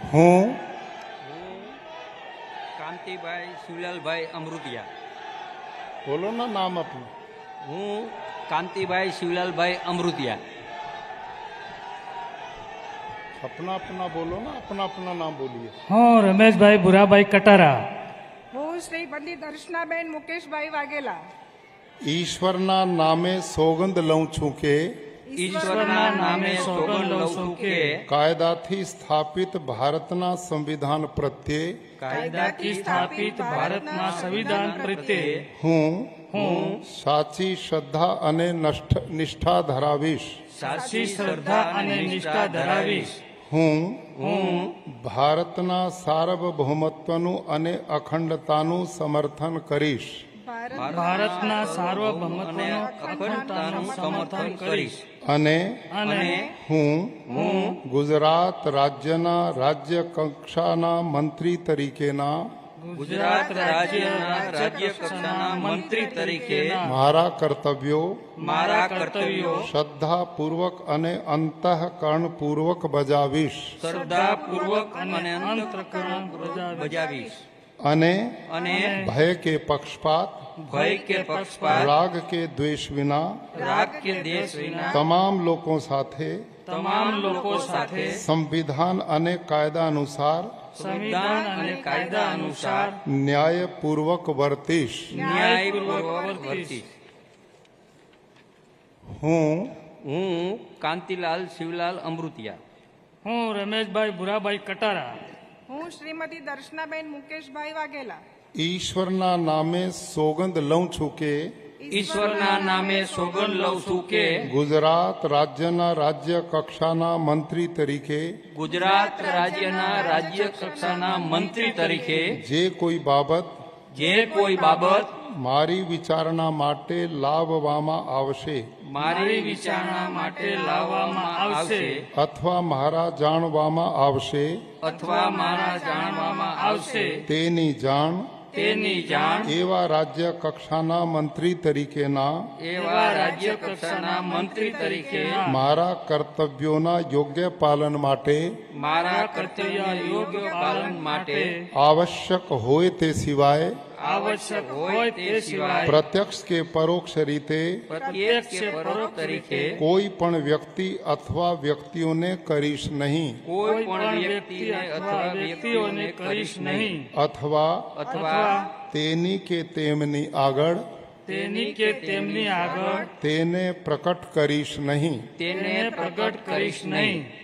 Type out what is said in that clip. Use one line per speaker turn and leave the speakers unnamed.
હું
કાંતિભાઈ શિવલાલભાઈ અમૃતિયા.
બોલો ના નામ આપનું.
હું કાંતિભાઈ શિવલાલભાઈ અમૃતિયા.
अपना अपना बोलो ना, अपना अपना नाम बोलिए.
હું રમેશભાઈ ભુરાભાઈ કટારા.
હું શ્રી પંડિત દર્શનાબેન મુકેશભાઈ વાઘેલા.
ઈશ્વરના નામે સોગંદ લઉં છું કે
ઈશ્વરના નામે સોગંદ લઉં છું કે
કાયદાથી સ્થાપિત ભારતના સંવિધાન પ્રત્યે
કાયદાથી સ્થાપિત ભારતના સંવિધાન પ્રત્યે
હું સાચી શ્રદ્ધા અને નિષ્ઠા ધરાવીશ.
સાચી શ્રદ્ધા અને નિષ્ઠા ધરાવીશ.
હું ભારતના સાર્વભૌમત્વનું અને અખંડતાનું સમર્થન કરીશ.
ભારતના સાર્વભૌમત્વનું અખંડતાનું સમર્થન કરીશ.
અને
અને
હું ગુજરાત રાજ્યના રાજ્ય કક્ષાના મંત્રી તરીકેના
ગુજરાત રાજ્યના રાજ્ય કક્ષાના મંત્રી તરીકે
મારા કર્તવ્યો
શ્રદ્ધાપૂર્વક
અને અંતઃકરણપૂર્વક બજાવીશ.
શ્રદ્ધાપૂર્વક અને અંતઃકરણ બજાવીશ.
અને
ભય
કે પક્ષપાત રાગ કે દ્વેષ વિના તમામ લોકો સાથે સંવિધાન અને કાયદા અનુસાર ન્યાયપૂર્વક વર્તીશ. હું
કાંતિલાલ શિવલાલ અમૃતિયા.
હું રમેશભાઈ ભુરાભાઈ કટારા.
હું શ્રીમતી દર્શનાબેન મુકેશભાઈ વાઘેલા.
ઈશ્વરના નામે સોગંદ લઉં છું કે
ઈશ્વરના નામે સોગંદ લઉં છું કે
ગુજરાત રાજ્યના રાજ્ય કક્ષાના મંત્રી તરીકે
ગુજરાત રાજ્યના રાજ્ય કક્ષાના મંત્રી તરીકે
જે કોઈ બાબત મારી વિચારણા માટે લાવવામાં આવશે અથવા મારા જાણવામાં આવશે તેની જાણ એવા રાજ્ય કક્ષાના મંત્રી તરીકેના મારા કર્તવ્યોના યોગ્ય પાલન માટે આવશ્યક હોય તે સિવાય પ્રત્યક્ષ કે પરોક્ષ રીતે કોઈ પણ વ્યક્તિ અથવા વ્યક્તિઓને કરીશ નહીં અથવા તેની કે તેમની આગળ તેને પ્રકટ કરીશ નહીં.